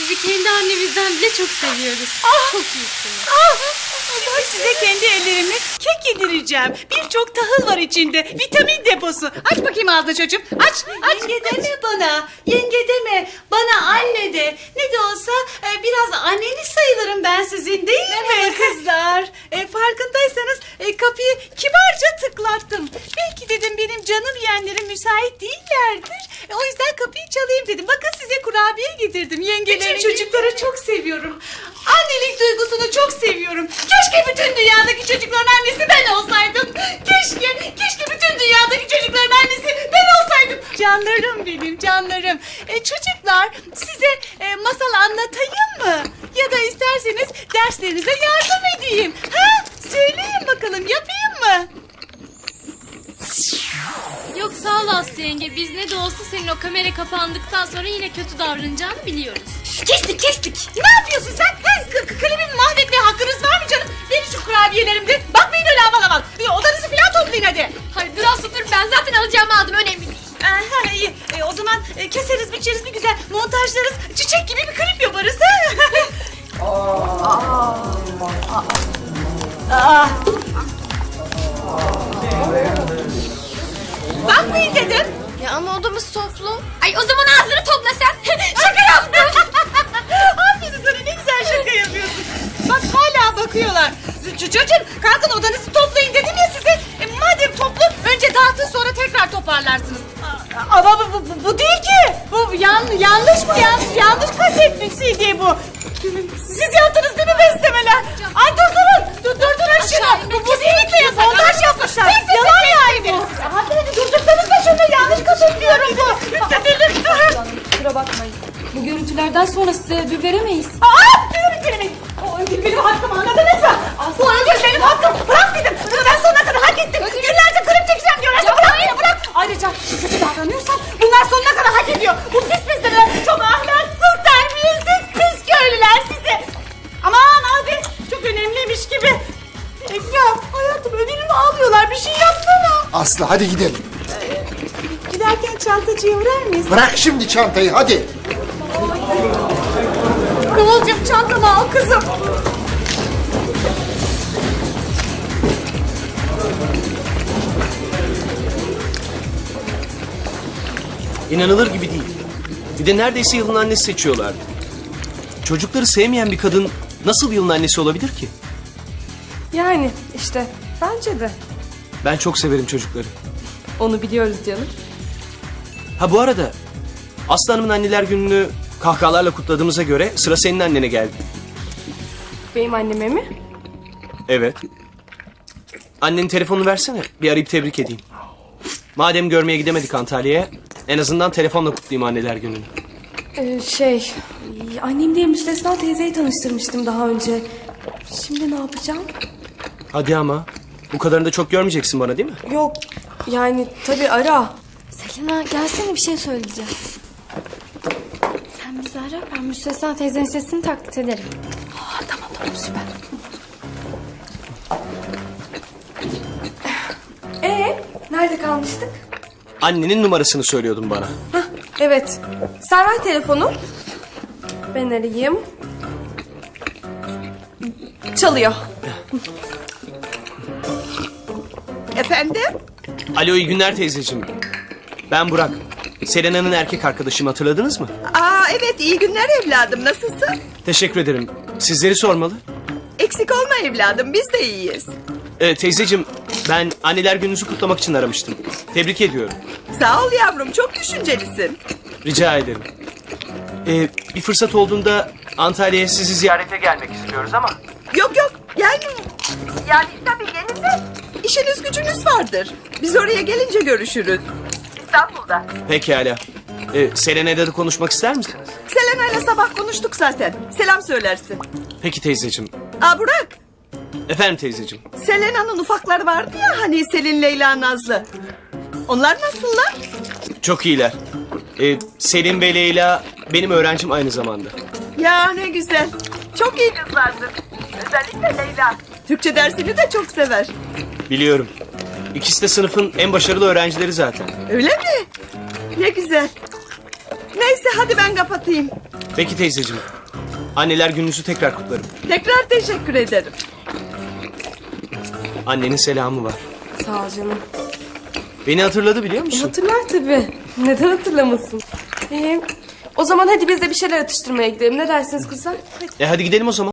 Sizi kendi annemizden bile çok seviyoruz. Çok iyisiniz. Şimdi size kendi ellerimle kek yedireceğim. Birçok tahıl var içinde. Vitamin deposu. Aç bakayım ağzını çocuğum. Aç. Yenge deme bana. Yenge deme. Bana anne de. Ne de olsa biraz anneniz sayılırım ben sizin, değil mi kızlar? Farkındaysanız kapıyı kibarca tıklattım. Belki dedim benim canım yeğenlerim müsait değillerdir. O yüzden kapıyı çalayım dedim. Bakın size kurabiye getirdim. Yengelerim çocukları çok seviyorum. Annelik duygusunu çok seviyorum. Keşke bütün dünyadaki çocukların annesi ben olsaydım. Keşke bütün dünyadaki çocukların annesi ben olsaydım. Canlarım benim, canlarım. Çocuklar, size masal anlatayım mı? Ya da isterseniz derslerinize yardım edeyim. Ha? Söyleyin bakalım, yapayım mı? Yok sağ ol Aslı yenge. Biz ne de olsa senin o kamera kapandıktan sonra yine kötü davranacağını biliyoruz. Kestik. Ne yapıyorsun sen? Kalemimi mahvetmeye hakkınız var mı canım? Verin şu kurabiyelerimde. Bakmayın öyle aman aman. Odanızı falan toplayın hadi. Hayır dur Aslı dur. Ben zaten alacağımı aldım. Önemli değil. İyi. O zaman keseriz biçeriz bir güzel montajlarız. Çiçek gibi bir klip yaparız. Bakmayın dedim. Ya ama odamız toplu. Ay o zaman ağzını topla sen. Şaka yaptım. Aferin sana, ne güzel şaka yapıyorsun. Bak hala bakıyorlar. Çocuğum kalkın odanızı toplayın dedim ya size. Madem toplu önce dağıtın sonra tekrar toparlarsınız. Ama bu değil ki. Bu yanlış mı? Yanlış kaset bir CD bu. Siz yaptınız değil mi beslemeler? Ay durdurun şunu. Bu kesinlikle montaj yapmışlar. Yalan yani bu. Hadi durdursanız da şunu, yanlış kaset diyorum bu. Kusura bakmayın. Bu görüntülerden sonra size ödül veremeyiz. Veremeyiz. O ödül benim hakkım, anladınız mı? Bu ödül benim hakkım. Bırak dedim. Bunu ben sonuna kadar hak ettim. Günlerce klip çekeceğim diyorlar. Bırak beni, bırak. Ayrıca kötü davranıyorsam bunlar sonuna kadar hak ediyor. Bu pis pisler çok ahlaksız, terbiyesiz, pis köylüler sizi. Aman abi, çok önemliymiş gibi. Ekrem, hayatım ödülümü alıyorlar. Bir şey yapsana. Aslı hadi gidelim. Giderken çantacıya uğrar mıyız? Bırak şimdi çantayı hadi. Kıvılcım çantamı al kızım. İnanılır gibi değil. Bir de neredeyse yılın annesi seçiyorlardı. Çocukları sevmeyen bir kadın nasıl yılın annesi olabilir ki? Yani işte bence de. Ben çok severim çocukları. Onu biliyoruz canım. Ha bu arada Aslı Hanım'ın anneler gününü kahkahalarla kutladığımıza göre sıra senin annene geldi. Benim anneme mi? Evet. Annenin telefonunu versene. Bir arayıp tebrik edeyim. Madem görmeye gidemedik Antalya'ya, en azından telefonla kutlayayım anneler gününü. Annem diye Müstesna teyzeyi tanıştırmıştım daha önce. Şimdi ne yapacağım? Hadi ama. Bu kadarını da çok görmeyeceksin bana değil mi? Yok yani tabii ara. Selena gelsene bir şey söyleyeceğim. Sen bizi ara, ben Müstesna teyzenin sesini taklit ederim. Tamam süper. Nerede kalmıştık? Annenin numarasını söylüyordun bana. Evet. Sen ver telefonu. Ben arayayım. Çalıyor. Efendim? Alo iyi günler teyzeciğim. Ben Burak. Selena'nın erkek arkadaşım, hatırladınız mı? Evet, iyi günler evladım, nasılsın? Teşekkür ederim. Sizleri sormalı. Eksik olma evladım, biz de iyiyiz. Teyzeciğim ben anneler gününüzü kutlamak için aramıştım. Tebrik ediyorum. Sağ ol yavrum, çok düşüncelisin. Rica ederim. Bir fırsat olduğunda Antalya'ya sizi ziyarete gelmek istiyoruz ama... Yok gelmeyin. Yani tabii gelin de işiniz gücünüz vardır. Biz oraya gelince görüşürüz. İstanbul'da. Pekala. Selena'yla da konuşmak ister misiniz? Selena'yla sabah konuştuk zaten. Selam söylersin. Peki teyzeciğim. Burak, Efendim teyzeciğim. Selena'nın ufakları vardı ya hani Selin, Leyla, Nazlı. Onlar nasıllar? Çok iyiler. Selim ve Leyla benim öğrencim aynı zamanda. Ya ne güzel. Çok iyi kızlardır. Özellikle Leyla. Türkçe dersini de çok sever. Biliyorum. İkisi de sınıfın en başarılı öğrencileri zaten. Öyle mi? Ne güzel. Neyse hadi ben kapatayım. Peki teyzeciğim. Anneler gününüzü tekrar kutlarım. Tekrar teşekkür ederim. Annenin selamı var. Sağ ol canım. Beni hatırladı biliyor musun? Hatırlar tabii. Neden hatırlamasın? O zaman hadi biz de bir şeyler atıştırmaya gidelim. Ne dersiniz kızlar? Hadi gidelim o zaman.